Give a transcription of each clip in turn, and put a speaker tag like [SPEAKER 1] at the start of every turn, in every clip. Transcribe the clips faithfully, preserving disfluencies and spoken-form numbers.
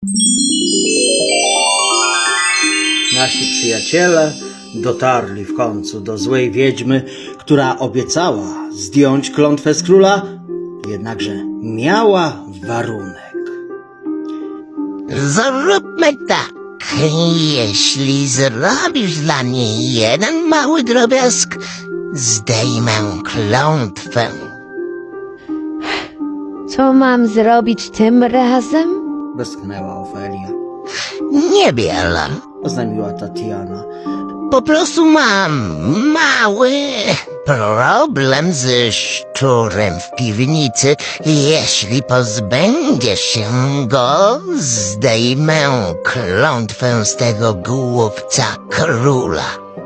[SPEAKER 1] Nasi przyjaciele dotarli w końcu do złej wiedźmy, która obiecała zdjąć klątwę z króla, jednakże miała warunek.
[SPEAKER 2] Zróbmy tak. Jeśli zrobisz dla mnie jeden mały drobiazg, zdejmę klątwę.
[SPEAKER 3] Co mam zrobić tym razem?
[SPEAKER 1] Westchnęła Ofelia.
[SPEAKER 2] Niewiele.
[SPEAKER 1] Oznajmiła Tatiana.
[SPEAKER 2] Po prostu mam mały problem ze szczurem w piwnicy. Jeśli pozbędziesz się go, zdejmę klątwę z tego głupca króla.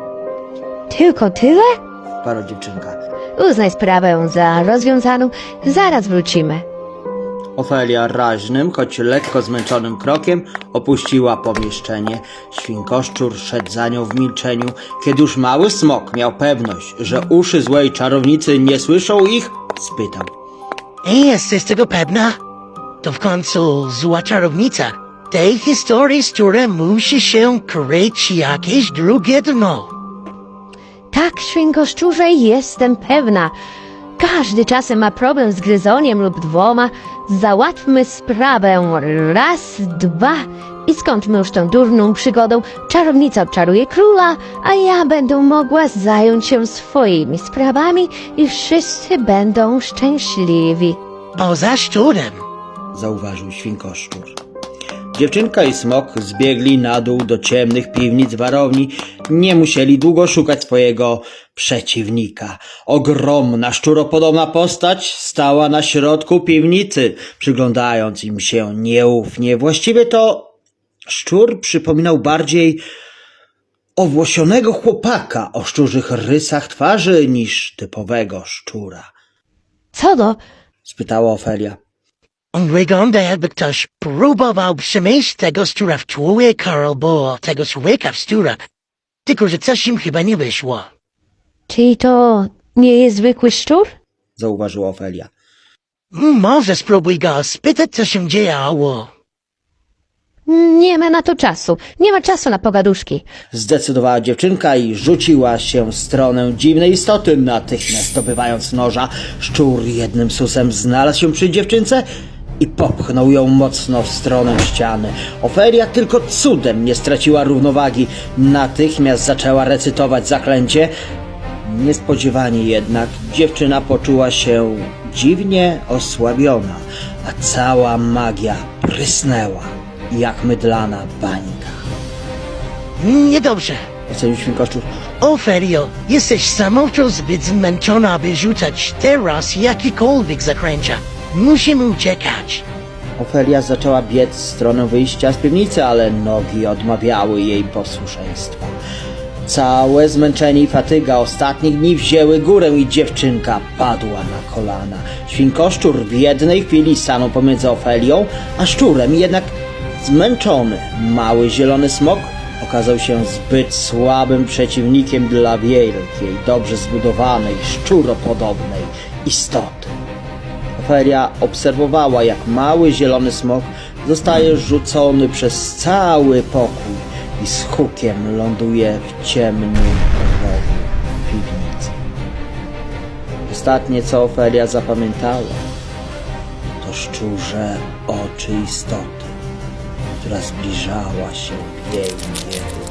[SPEAKER 3] Tylko tyle?
[SPEAKER 1] Parła dziewczynka.
[SPEAKER 3] Uznaj sprawę za rozwiązaną. Zaraz wrócimy.
[SPEAKER 1] Ofelia raźnym, choć lekko zmęczonym krokiem opuściła pomieszczenie. Świnkoszczur szedł za nią w milczeniu. Kiedy już mały smok miał pewność, że uszy złej czarownicy nie słyszą ich, spytał.
[SPEAKER 2] Jesteś tego pewna? To w końcu zła czarownica. Tej historii, z której musi się kryć jakieś drugie dno.
[SPEAKER 3] Tak, świnkoszczurze, jestem pewna. Każdy czasem ma problem z gryzoniem lub dwoma. Załatwmy sprawę raz, dwa i skończmy już tą durną przygodą. Czarownica odczaruje króla, a ja będę mogła zająć się swoimi sprawami i wszyscy będą szczęśliwi.
[SPEAKER 2] Poza szczurem.
[SPEAKER 1] Zauważył świnkoszczur. Dziewczynka i smok zbiegli na dół do ciemnych piwnic warowni. Nie musieli długo szukać swojego przeciwnika. Ogromna, szczuropodobna postać stała na środku piwnicy, przyglądając im się nieufnie. Właściwie to szczur przypominał bardziej owłosionego chłopaka o szczurzych rysach twarzy niż typowego szczura.
[SPEAKER 3] Co to?
[SPEAKER 1] Spytała Ofelia.
[SPEAKER 2] On wygląda, jakby ktoś próbował przemieść tego szczura w człowieka albo tego człowieka w szczura. Tylko, że coś im chyba nie wyszło.
[SPEAKER 3] Czyli to nie jest zwykły szczur?
[SPEAKER 1] Zauważyła Ofelia.
[SPEAKER 2] Może spróbuj go spytać, co się działo.
[SPEAKER 3] Nie ma na to czasu. Nie ma czasu na pogaduszki.
[SPEAKER 1] Zdecydowała dziewczynka i rzuciła się w stronę dziwnej istoty, natychmiast zdobywając noża. Szczur jednym susem znalazł się przy dziewczynce i popchnął ją mocno w stronę ściany. Ofelia tylko cudem nie straciła równowagi. Natychmiast zaczęła recytować zaklęcie. Niespodziewanie jednak dziewczyna poczuła się dziwnie osłabiona, a cała magia prysnęła jak mydlana bańka.
[SPEAKER 2] Niedobrze.
[SPEAKER 1] Ocenił świnkoszczur.
[SPEAKER 2] Ofelio, jesteś samotną zbyt zmęczona, aby rzucać teraz jakiekolwiek zaklęcia. Musimy uciekać.
[SPEAKER 1] Ofelia zaczęła biec w stronę wyjścia z piwnicy, ale nogi odmawiały jej posłuszeństwa. Całe zmęczenie i fatyga ostatnich dni wzięły górę i dziewczynka padła na kolana. Świnkoszczur w jednej chwili stanął pomiędzy Ofelią a szczurem, jednak zmęczony mały zielony smok okazał się zbyt słabym przeciwnikiem dla wielkiej, dobrze zbudowanej, szczuropodobnej istoty. Ofelia obserwowała, jak mały zielony smok zostaje rzucony przez cały pokój i z hukiem ląduje w ciemnym rogu piwnicy. Ostatnie, co Ofelia zapamiętała, to szczurze oczy istoty, która zbliżała się w jej kierunku.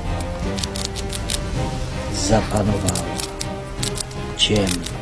[SPEAKER 1] Zapanowała ciemność.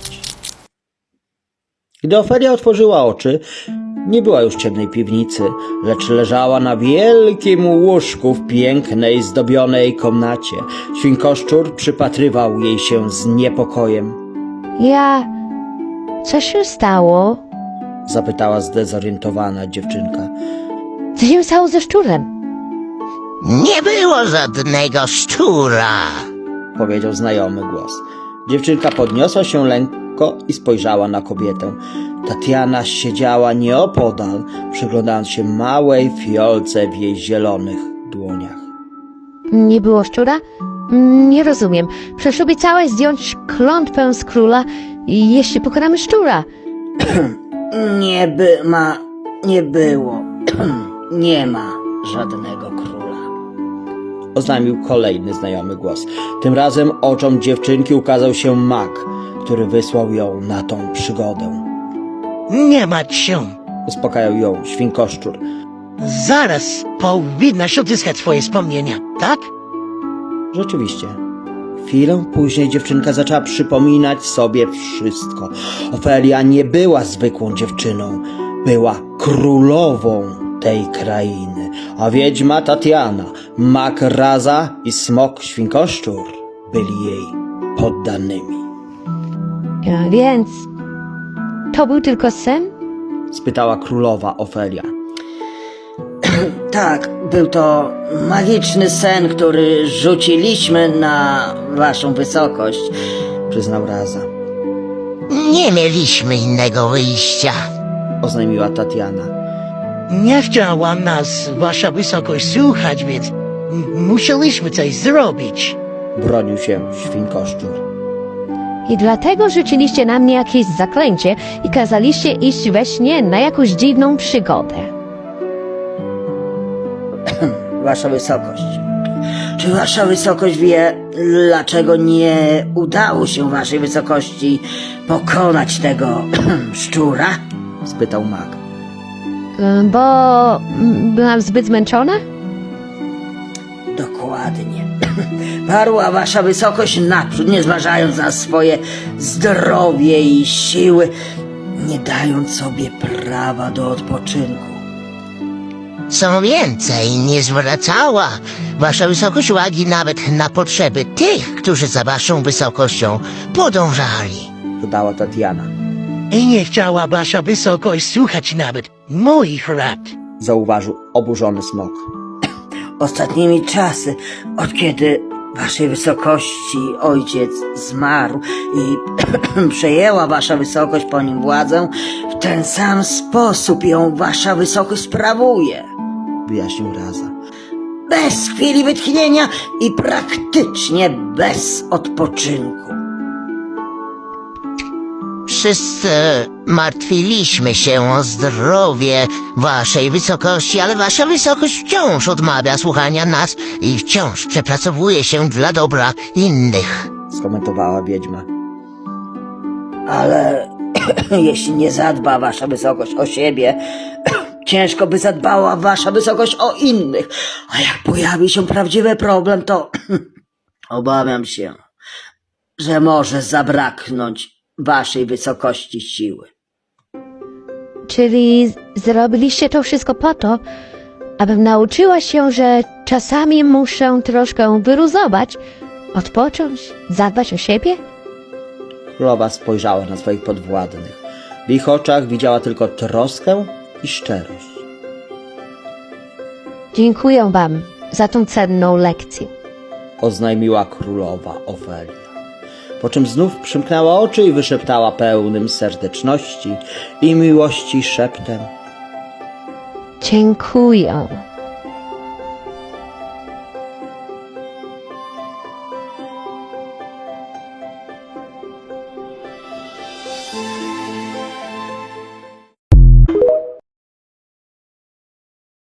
[SPEAKER 1] Gdy Ofelia otworzyła oczy, nie była już w ciemnej piwnicy, lecz leżała na wielkim łóżku w pięknej, zdobionej komnacie. Świnkoszczur przypatrywał jej się z niepokojem.
[SPEAKER 3] Ja... Co się stało?
[SPEAKER 1] Zapytała zdezorientowana dziewczynka.
[SPEAKER 3] Co się stało ze szczurem?
[SPEAKER 2] Nie było żadnego szczura.
[SPEAKER 1] Powiedział znajomy głos. Dziewczynka podniosła się lekko i spojrzała na kobietę. Tatiana siedziała nieopodal, przyglądając się małej fiolce w jej zielonych dłoniach.
[SPEAKER 3] Nie było szczura? Nie rozumiem. Przecież obiecałaś zdjąć klątwę z króla, jeśli pokonamy szczura.
[SPEAKER 1] Nie by ma... nie było. nie ma żadnego króla. Oznajmił kolejny znajomy głos. Tym razem oczom dziewczynki ukazał się mag, który wysłał ją na tą przygodę.
[SPEAKER 2] Nie martw się.
[SPEAKER 1] Uspokajał ją świnkoszczur.
[SPEAKER 2] Zaraz powinnaś odzyskać swoje wspomnienia, tak?
[SPEAKER 1] Rzeczywiście. Chwilę później dziewczynka zaczęła przypominać sobie wszystko. Ofelia nie była zwykłą dziewczyną. Była królową tej krainy. A wiedźma Tatiana, mak Raza i smok świnkoszczur byli jej poddanymi.
[SPEAKER 3] A więc to był tylko sen?
[SPEAKER 1] Spytała królowa Ofelia. Tak, był to magiczny sen, który rzuciliśmy na waszą wysokość, przyznał Raza.
[SPEAKER 4] Nie mieliśmy innego wyjścia.
[SPEAKER 1] Oznajmiła Tatiana.
[SPEAKER 2] Nie chciała nas wasza wysokość słuchać, więc m- musieliśmy coś zrobić.
[SPEAKER 1] Bronił się świnkoszczur.
[SPEAKER 3] I dlatego rzuciliście na mnie jakieś zaklęcie i kazaliście iść we śnie na jakąś dziwną przygodę.
[SPEAKER 1] Wasza wysokość. Czy wasza wysokość wie, dlaczego nie udało się waszej wysokości pokonać tego szczura? Spytał mag.
[SPEAKER 3] Y, Bo mm, byłam zbyt zmęczona?
[SPEAKER 1] Dokładnie. Parła wasza wysokość naprzód, nie zważając na swoje zdrowie i siły, nie dając sobie prawa do odpoczynku.
[SPEAKER 4] Co więcej, nie zwracała wasza wysokość uwagi nawet na potrzeby tych, którzy za waszą wysokością podążali.
[SPEAKER 1] Dodała Tatiana.
[SPEAKER 2] I nie chciała wasza wysokość słuchać nawet moich rad.
[SPEAKER 1] Zauważył oburzony smok. Ostatnimi czasy, od kiedy waszej wysokości ojciec zmarł i przejęła wasza wysokość po nim władzę, w ten sam sposób ją wasza wysokość sprawuje, wyjaśnił Raza. Bez chwili wytchnienia i praktycznie bez odpoczynku.
[SPEAKER 4] Wszyscy martwiliśmy się o zdrowie waszej wysokości, ale wasza wysokość wciąż odmawia słuchania nas i wciąż przepracowuje się dla dobra innych.
[SPEAKER 1] Skomentowała wiedźma. Ale jeśli nie zadba wasza wysokość o siebie, ciężko by zadbała wasza wysokość o innych. A jak pojawi się prawdziwy problem, to obawiam się, że może zabraknąć waszej wysokości siły.
[SPEAKER 3] Czyli z- zrobiliście to wszystko po to, abym nauczyła się, że czasami muszę troszkę wyluzować, odpocząć, zadbać o siebie?
[SPEAKER 1] Królowa spojrzała na swoich podwładnych. W ich oczach widziała tylko troskę i szczerość.
[SPEAKER 3] Dziękuję wam za tą cenną lekcję.
[SPEAKER 1] Oznajmiła królowa Ofelia. Po czym znów przymknęła oczy i wyszeptała pełnym serdeczności i miłości szeptem.
[SPEAKER 3] Dziękuję.